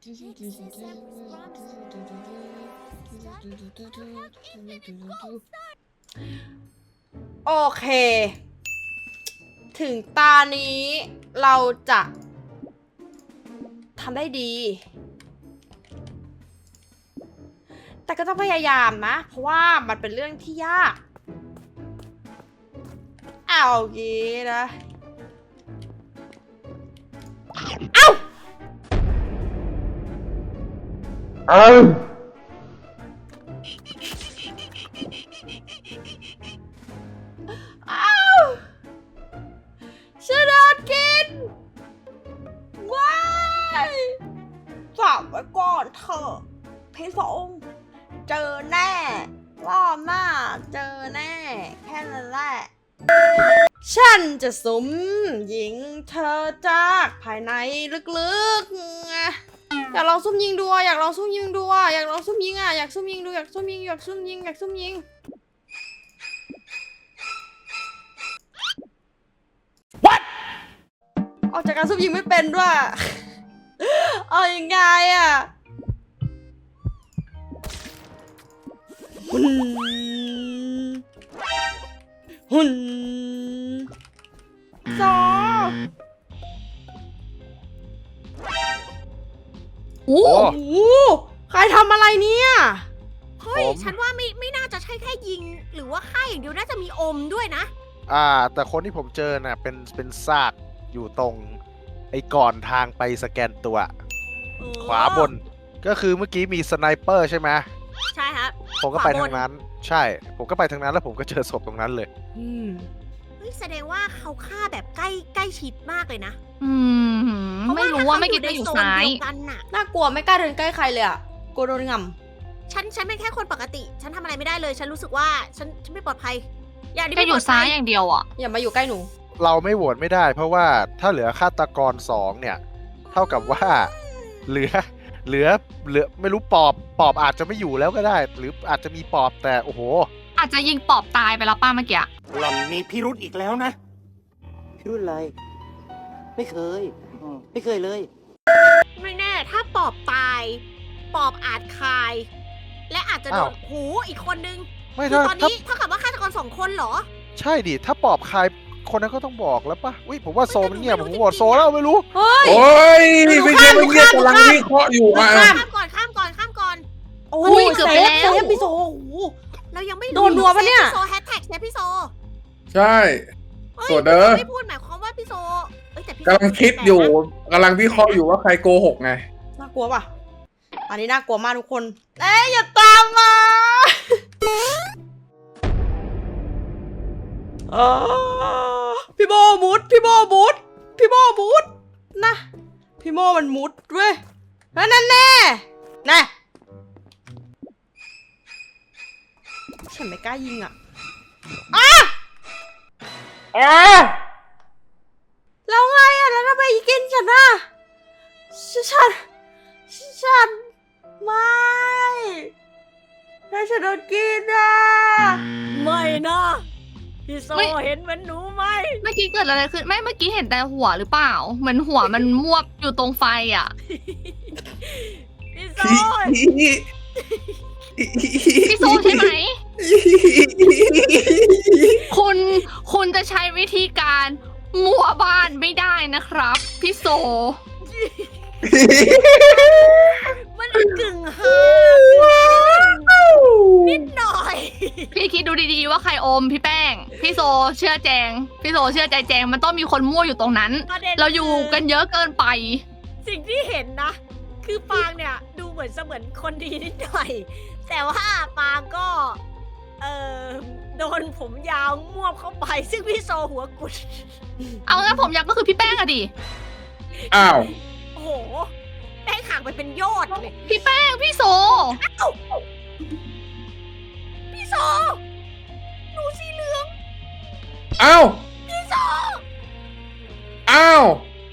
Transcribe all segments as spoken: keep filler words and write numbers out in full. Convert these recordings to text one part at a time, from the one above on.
โอเคถึงตานี้เราจะทำได้ดีแต่ก็ต้องพยายามนะเพราะว่ามันเป็นเรื่องที่ยากเอางี้นะเอ้าเอ้าฉันโดนกินว้ายฝากไว้ก่อนเถอะพี่สงเจอแน่รอบหน้าเจอแน่แค่นั้นแหละฉันจะสุมยิงเธอจากภายในลึกๆอยากลองซุ่มยิงดูอยากลองซุ่มยิงดูอยากลองซุ่มยิงอ่ะอยากซุ่มยิงดูอยากซุ่มยิงอยากซุ่มยิงอยากซุ่มยิงออกจากการซุ่มยิงไม่เป็นด้วยเอายังไงอ่ะหุ่นหุ่นซอโอ้โหใครทำอะไรเนี่ยเฮ้ยฉันว่าไม่ไม่น่าจะใช่แค่ยิงหรือว่าฆ่าอย่างเดียวน่าจะมีอมด้วยนะอ่าแต่คนที่ผมเจอน่ะเป็นเป็นซากอยู่ตรงไอ้ก่อนทางไปสแกนตัวขวาบนก็คือเมื่อกี้มีสไนเปอร์ใช่ไหมใช่ครับผมก็ไปทางนั้นใช่ผมก็ไปทางนั้นแล้วผมก็เจอศพตรงนั้นเลยอืมเฮ้ยแสดงว่าเขาฆ่าแบบใกล้ใกล้ชิดมากเลยนะอืมไม่รู้ว่าไม่กินได้อยู่ซ้ายน่ากลัวไม่กล้าเดินใกล้ใครเลยอ่ะกลัวโดนงำฉันฉันเป็นแค่คนปกติฉันทำอะไรไม่ได้เลยฉันรู้สึกว่าฉันฉันไม่ปลอดภัยอย่างที่ไม่อยู่ซ้ายอย่างเดียวอ่ะอย่ามาอยู่ใกล้หนูเราไม่โหวตไม่ได้เพราะว่าถ้าเหลือฆาตกรสองเนี่ยเท่ากับว่าเหลือเหลือเหลือไม่รู้ปอบปอบอาจจะไม่อยู่แล้วก็ได้หรืออาจจะมีปอบแต่โอ้โหอาจจะยิงปอบตายไปแล้วป้าเมื่อกี้หล่อนมีพิรุธอีกแล้วนะพิรุธอะไรไม่เคยไม่เคยเลยไม่แน่ถ้าปอบตายปอบอาจคายและอาจจะโดนหูอีกคนนึงคือตอนนี้เท่ากับว่าฆาตกรสองคนเหรอใช่ดิถ้าปอบคายคนนั้นก็ต้องบอกแล้วปะอุ้ยผมว่าโซมันเงียบผมโหวตโซแล้วไม่รู้เฮ้ยโอ้ยไม่ใช่ไม่เงียบกำลังวิเคราะห์อยู่อ่ะข้ามก่อนข้ามก่อนข้ามก่อนโอ้ยเกือบไปแล้วเซฟพี่โซเรายังไม่โดนรัวปะเนี่ยพี่โซแฮชแท็กเซฟพี่โซใช่ส่วนเด้อไม่พูดหมายความว่าพี่โซกำลังคิดอยู่กำลังวิเคราะห์อยู่ว่าใครโกหกไงน่ากลัวป่ะอันนี้น่ากลัวมากทุกคนเอ้ยอย่าตามมาพี่โบมุดพี่โบมุดพี่โบมุดนะพี่โมมันมุดเว้ยนั่นแน่แน่ฉันไม่กล้ายิงอ่ะอ่ะอ่ะแล้วไงอ่ะแล้วทำไมกินฉันอ่ะฉันฉันไม่ถ้าฉันโดนกินอ่ะไม่นะพี่โซเห็นเหมือนหนูไหมเมื่อกี้เกิดอะไรขึ้นไม่เมื่อกี้เห็นแต่หัวหรือเปล่าเหมือนหัวมันมวบอยู่ตรงไฟอ่ะพี่โซพี่โซใช่ไหมคุณคุณจะใช้วิธีการมั่วบ้านไม่ได้นะครับพี่โซมันกึ่งฮานิดหน่อยพี่คิดดูดีๆว่าใครอมพี่แป้งพี่โซเชื่อแจงพี่โซเชื่อใจแจงมันต้องมีคนมั่วอยู่ตรงนั้นเราอยู่กันเยอะเกินไปสิ่งที่เห็นนะคือปางเนี่ยดูเหมือนเสมือนคนดีนิดหน่อยแต่ว่าปางก็เออโดนผมยาวม่วบเข้าไปซึ่งพี่โซหัวกุดเอางั้นผมยาวก็คือพี่แป้งอะดิอ้าวโอ้โหแป้งห่างไปเป็นยอดเลยพี่แป้งพี่โซพี่โซหนูสีเหลืองอ้าวพี่โซอ้าว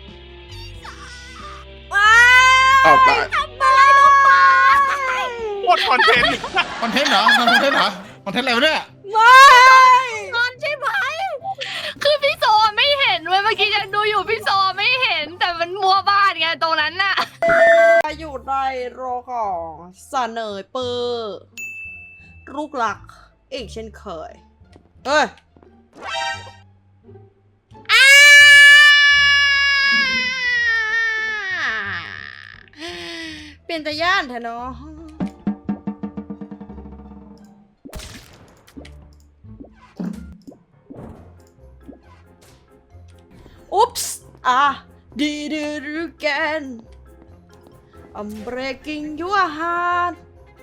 ว้าวทำอะไรลงไปหมดคอนเทนต์คอนเทนต์เหรอคอนเทนต์เหรอคอนเทนต์อะไรวะเนี่ยไม่นอนใช่ไหมคือพี่โซไม่เห็นเว้ยเมื่อกี้ยังดูอยู่พี่โซไม่เห็นแต่มันมัวบ้านไงตรงนั้นน่ะหยุดนโรของสเนยเปอร์ลูกหลักอีกเช่นเคยเอ้ยอ้าเป็นตาย่านแท้เนาะอุ๊ปส์อ่ะ did it again I'm breaking your heart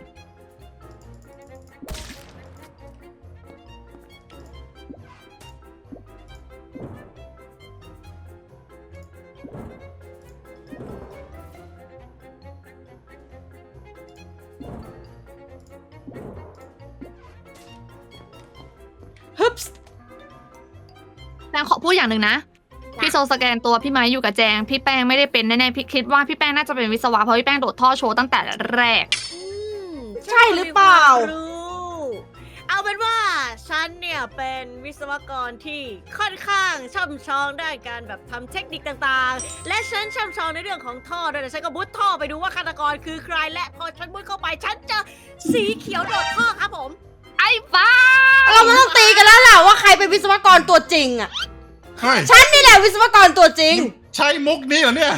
ฮึบส์แจงขอพูดอย่างหนึ่งนะ พี่โซสแกนตัวพี่ไม้อยู่กับแจง พี่แป้งไม่ได้เป็นแน่ๆพี่คิดว่าพี่แป้งน่าจะเป็นวิศวะเพราะพี่แป้งโดดท่อโชว์ตั้งแต่แรกอืมใช่หรือเปล่ารู้เอาเป็นว่าฉันเนี่ยเป็นวิศวกรที่ค่อนข้างช่ำชองด้านการแบบทำเทคนิคต่างๆ และฉันช่ำชองในเรื่องของท่อด้วยนะฉันก็มุดท่อไปดูว่าฆาตกรคือใครและพอฉันมุดเข้าไปฉันเจอสีเขียวโดดท่อครับผมไอ้ฟ้าเราไม่ต้องตีกันแล้วล่ะว่าใครเป็นวิศวกรตัวจริงอ่ะเฮ้ยฉันนี่แหละวิศวกรตัวจริงใช่มุกนี้เหรอเนี่ย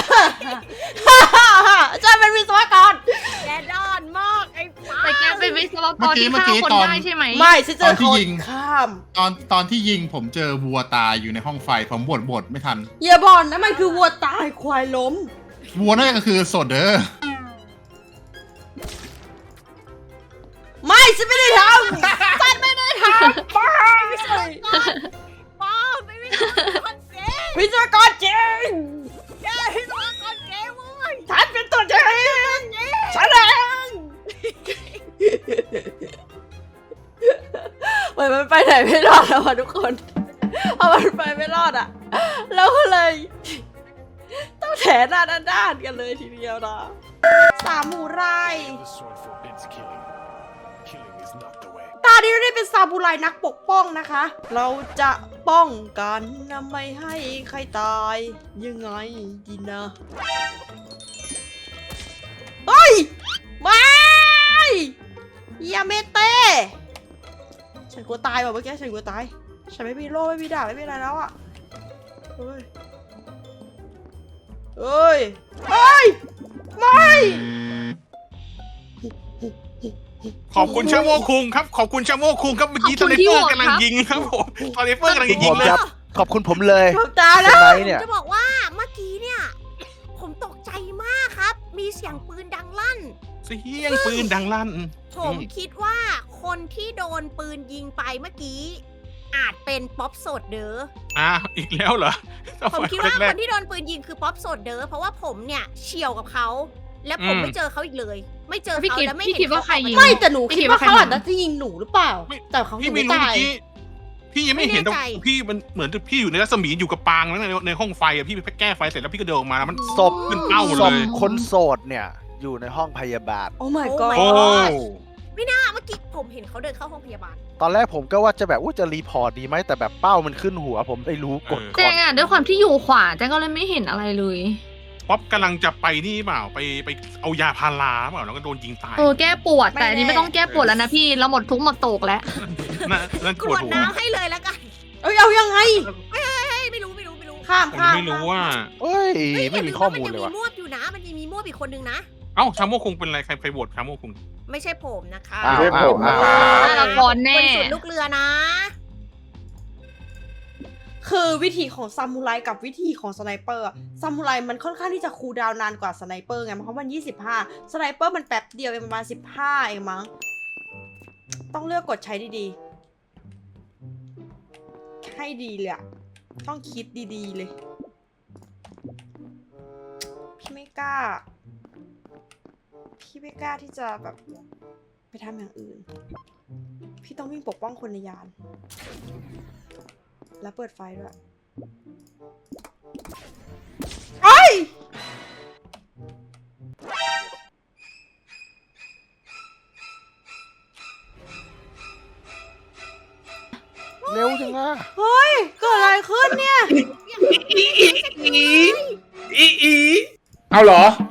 ฉันเป็นวิศวกรแกด้านมากไอ้ฟ้าแต่แกเป็นวิศวกเมื่รอกี้ที่เมื่อฆ่ากี้คนตอนได้ใช่ไหมไม่ฉันเจตออนที่คนยิงข้ามตอนตอนที่ยิงผมเจอวัวตายอยู่ในห้องไฟผมบดบดไม่ทันอย่าบอกนะมันคือวัวตายควายล้มวัวนั่นก็คือโซเดอร์ไม่ฉันไม่ได้ทำฉันไม่ได้ทำป้าไม่ใช่ป้าไม่ไม่ใช่คนเก๋วิศวกรจริงแกที่ตัวคนเก๋เว้ยฉันเป็นตัวจริงฉันเองเหมือนมันไปไหนไม่รอดแล้วอะทุกคนพอมันไปไม่รอดอะเราก็เลย ต้องแถหน้าด้านๆกันเลยทีเดียวนะสามหมูไร ตานี้เราได้เป็นซาบูไรนักปกป้องนะคะ เราจะป้องกันนะไม่ให้ใครตายยังไงดีนะเฮ้ยไม่ยาเมเต้ฉันกลัวตายว่ะเมื่อกี้ฉันกลัวตายฉันไม่มีโล่ไม่มีดาบไม่มีอะไรแล้วอ่ะเฮ้ยเฮ้ยเฮ้ยไม่ขอบคุณชาโมคุงครับ ขอบคุณชาโมคุงครับเมื่อกี้ขสอบไนคุณที่เปอร์โหวตกำลังครับยิงครับผมสไนเปอร์กำลังยิงผมเลยครับขอบคุณผมเลยผมตายแล้วสไนเนี่ยจะบอกว่าเมื่อกี้เนี่ย ผมตกใจมากครับ มีเสียงปืนดังลั่นเสียงปืนดังลั่นผมคิดว่าคนที่โดนปืนยิงไปเมื่อกี้ อาจเป็นป๊อปโซดเดอร์อ่ะอีกแล้วเหรอผมคิดว่าแรคกนที่โดนปืนยิงคือป๊อปโซดเดอร์เพราะว่าผมเนี่ยเฉี่ยวกับเขา และผมอืมไม่เจอเขาอีกเลย ไม่เจอพี่เขาคิดและไม่พี่เห็นคิดว่าเขใครยิงไม่แต่หนูพี่คิคิดดว่าว่าใครเขาอาจยิงจะยิงหนูหรือเปล่าไม่แต่เขาๆยิพี่งไม่ไม่รู้ตาเมื่อย กี้พี่ยังไม่เห็นแต่พี่มันเหมือนพี่อยู่ในรัศมีอยู่กับปางแล้วในในห้องไฟอะพี่ไปแก้ไฟเสร็จแล้วพี่ก็เดินออกมาแล้วมันศพขึ้นเป้าหมดศเลพยคนโสดเนี่ย อยู่ในห้องพยาบาลโอ้ my โอ้ god โอ้ไม่น่าเมื่อกี้ผมเห็นเขาเดินเข้าห้องพยาบาลตอนแรกผมก็ว่าจะแบบว่าจะรีพอร์ตดีไหมแต่แบบเป้ามันขึ้นหัว ผมไม่รู้กดแจก่อนงอ่ะด้วยความที่อยู่ขวาแจงก็เลยไม่เห็นอะไรเลยป๊อปกำลังจะไปนี่เปล่าไปไปเอายาพาราเปล่าแล้วก็โดนยิงตายเออแก้ปวดแต่อันนี้ไม่ต้องแก้ปวดแล้วนะพี่เราหมดทุกข์หมดโศกแล้วนั่นนั่นกปรววดดหัวน้ำให้เลยแล้วกันเอ้ยเอายังไงเฮ้ยไม่รู้ไม่รู้ไม่รู้ข้ามผมข้ามไม่รู้ว่าเอ้ยเฮ้ยไม่มีย่าข้อว่มูลเลยนว่ะยังมีมวบอยู่นะ มันยังมีมวบอีกคนนึงนะเอ้าชาโมคุงเป็นอะไรใครใครโหวตชาโมคุงไม่ใช่ผมนะคะอ้าวไม่ใช่ผมอ้าวนะอ้าวฆาตกรแน่บริสุทธิ์ลูกเรือนะคือวิธีของซามูไรกับวิธีของสไนเปอร์อะซามูไรมันค่อนข้างที่จะคูลดาวน์นานกว่าสไนเปอร์ไงเพราะมันยี่สิบห้าสไนเปอร์มันแป๊บเดียวเองประมาณสิบห้าเองมั้งต้องเลือกกดใช้ดีๆให้ดีเลยอะต้องคิดดีๆเลยพี่ไม่กล้า พี่ไม่กล้าที่จะแบบไปทำอย่างอื่น พี่ต้องวิ่งปกป้องคนในยาน แล้วเปิดไฟด้วยไอ้ยเร็วจังนะเฮ้ย เกิดอะไรขึ้นเนี่ยเอาเหรอ